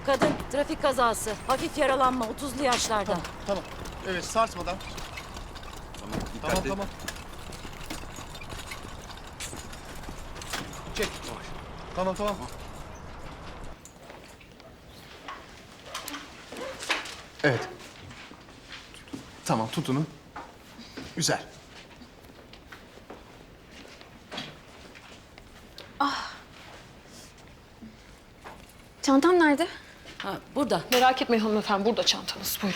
Kadın trafik kazası. Hafif yaralanma 30'lu yaşlarda. Tamam. Evet, sarsmadan. Tamam. Çek. Tamam. Evet. Tamam, tut onu. Güzel. Çantam nerede? Ha, burada. Merak etmeyin hanımefendi, burada çantanız. Buyurun.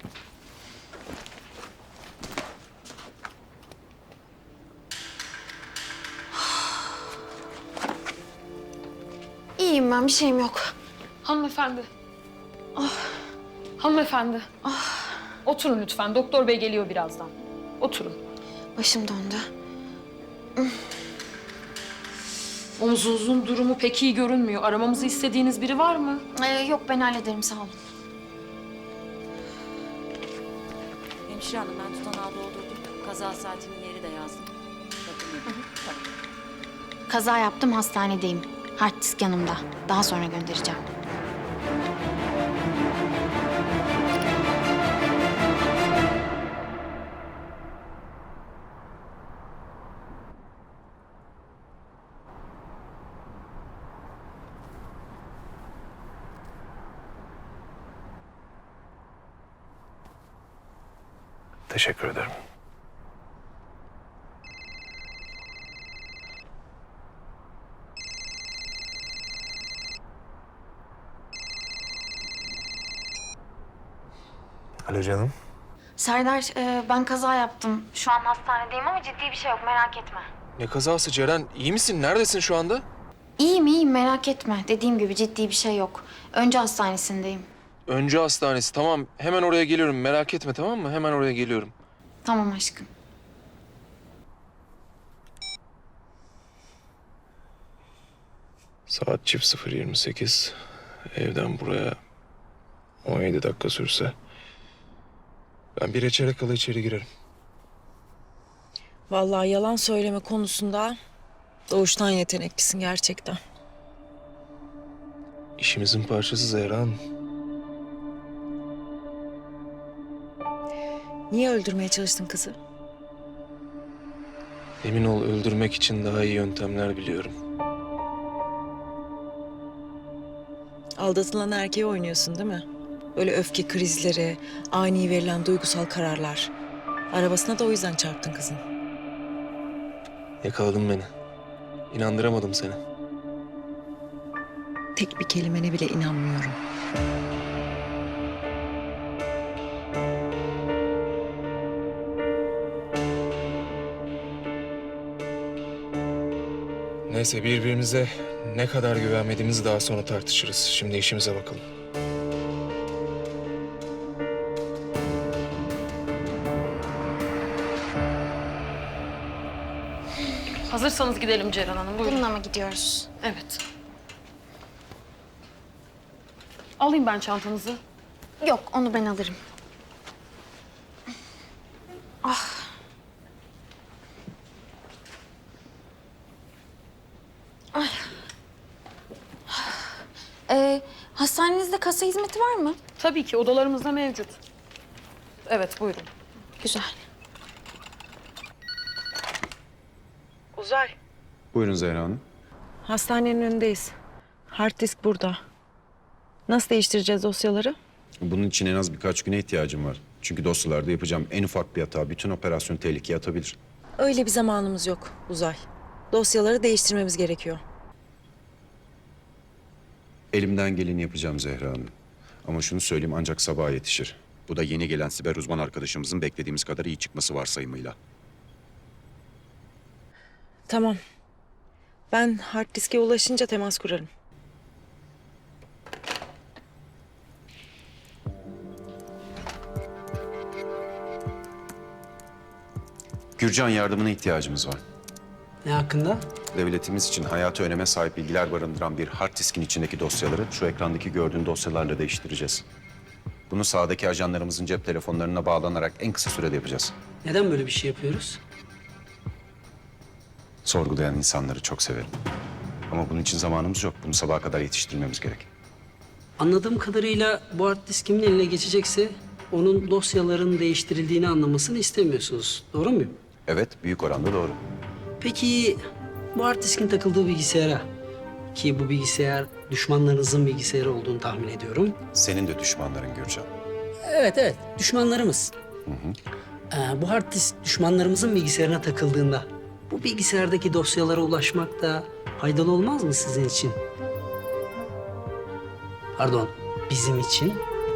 İyiyim ben, bir şeyim yok. Hanımefendi. Hanımefendi. Oturun lütfen. Doktor bey geliyor birazdan. Oturun. Başım döndü. Omzunuzun durumu pek iyi görünmüyor. Aramamızı istediğiniz biri var mı? Yok, ben hallederim, sağ olun. Hemşire hanım ben tutanağı doldurdum. Kaza saatinin yeri de yazdım. Bakın. Kaza yaptım, hastanedeyim. Hard disk yanımda. Daha sonra göndereceğim. Teşekkür ederim. Alo canım. Serdar, ben kaza yaptım. Şu an hastanedeyim ama ciddi bir şey yok, merak etme. Ne kazası Ceren? İyi misin? Neredesin şu anda? İyiyim, merak etme. Dediğim gibi ciddi bir şey yok. Önce hastanesindeyim. Öncü hastanesi. Tamam. Hemen oraya geliyorum. Merak etme, tamam mı? Hemen oraya geliyorum. Tamam aşkım. Saat çift 0:28. Evden buraya 17 dakika sürse. Ben bir çeyrek kala içeri girerim. Vallahi yalan söyleme konusunda doğuştan yeteneklisin gerçekten. İşimizin parçası Zehra Hanım. Niye öldürmeye çalıştın kızı? Emin ol, öldürmek için daha iyi yöntemler biliyorum. Aldatılan erkeği oynuyorsun değil mi? Böyle öfke krizleri, ani verilen duygusal kararlar. Arabasına da o yüzden çarptın kızın. Yakaladın beni. İnandıramadım seni. Tek bir kelimene bile inanmıyorum. Neyse, birbirimize ne kadar güvenmediğimizi daha sonra tartışırız. Şimdi işimize bakalım. Hazırsanız gidelim Ceren Hanım. Buyurun. Bununla mı gidiyoruz? Evet. Alayım ben çantanızı. Yok, onu ben alırım. Hastanenizde kasa hizmeti var mı? Tabii ki odalarımızda mevcut. Evet, buyurun. Güzel. Uzay. Buyurun Zehra Hanım. Hastanenin önündeyiz. Hard disk burada. Nasıl değiştireceğiz dosyaları? Bunun için en az birkaç güne ihtiyacım var. Çünkü dosyalarda yapacağım en ufak bir hata bütün operasyonu tehlikeye atabilir. Öyle bir zamanımız yok Uzay. Dosyaları değiştirmemiz gerekiyor. Elimden geleni yapacağım Zehra Hanım. Ama şunu söyleyeyim, ancak sabaha yetişir. Bu da yeni gelen siber uzman arkadaşımızın beklediğimiz kadar iyi çıkması varsayımıyla. Tamam. Ben hard diske ulaşınca temas kurarım. Gürcan yardımına ihtiyacımız var. Ne hakkında? Devletimiz için hayati öneme sahip bilgiler barındıran bir hard diskin içindeki dosyaları şu ekrandaki gördüğün dosyalarla değiştireceğiz. Bunu sahadaki ajanlarımızın cep telefonlarına bağlanarak en kısa sürede yapacağız. Neden böyle bir şey yapıyoruz? Sorgulayan insanları çok severim. Ama bunun için zamanımız yok. Bunu sabaha kadar yetiştirmemiz gerek. Anladığım kadarıyla bu hard disk kimin eline geçecekse onun dosyaların değiştirildiğini anlamasını istemiyorsunuz. Doğru muyum? Evet, büyük oranda doğru. Peki bu hard diskin takıldığı bilgisayara, ki bu bilgisayar düşmanlarınızın bilgisayarı olduğunu tahmin ediyorum. Senin de düşmanların Gürcan. Evet, düşmanlarımız. Bu hard disk düşmanlarımızın bilgisayarına takıldığında bu bilgisayardaki dosyalara ulaşmak da faydalı olmaz mı sizin için? Pardon, bizim için.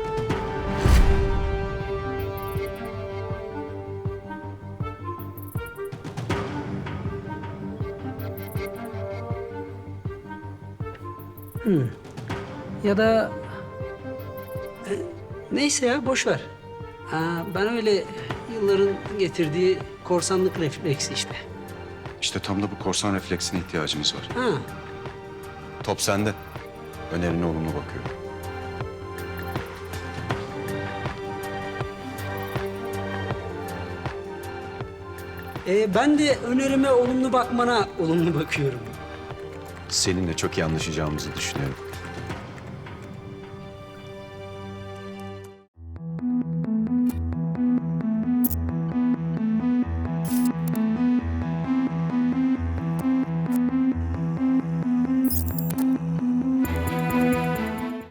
Ya da neyse ya boş ver. Ben öyle yılların getirdiği korsanlık refleksi işte. İşte tam da bu korsan refleksine ihtiyacımız var. Ha, Top sende. Önerine olumlu bakıyorum. ben de önerime olumlu bakmana olumlu bakıyorum. Seninle çok iyi anlaşacağımızı düşünüyorum.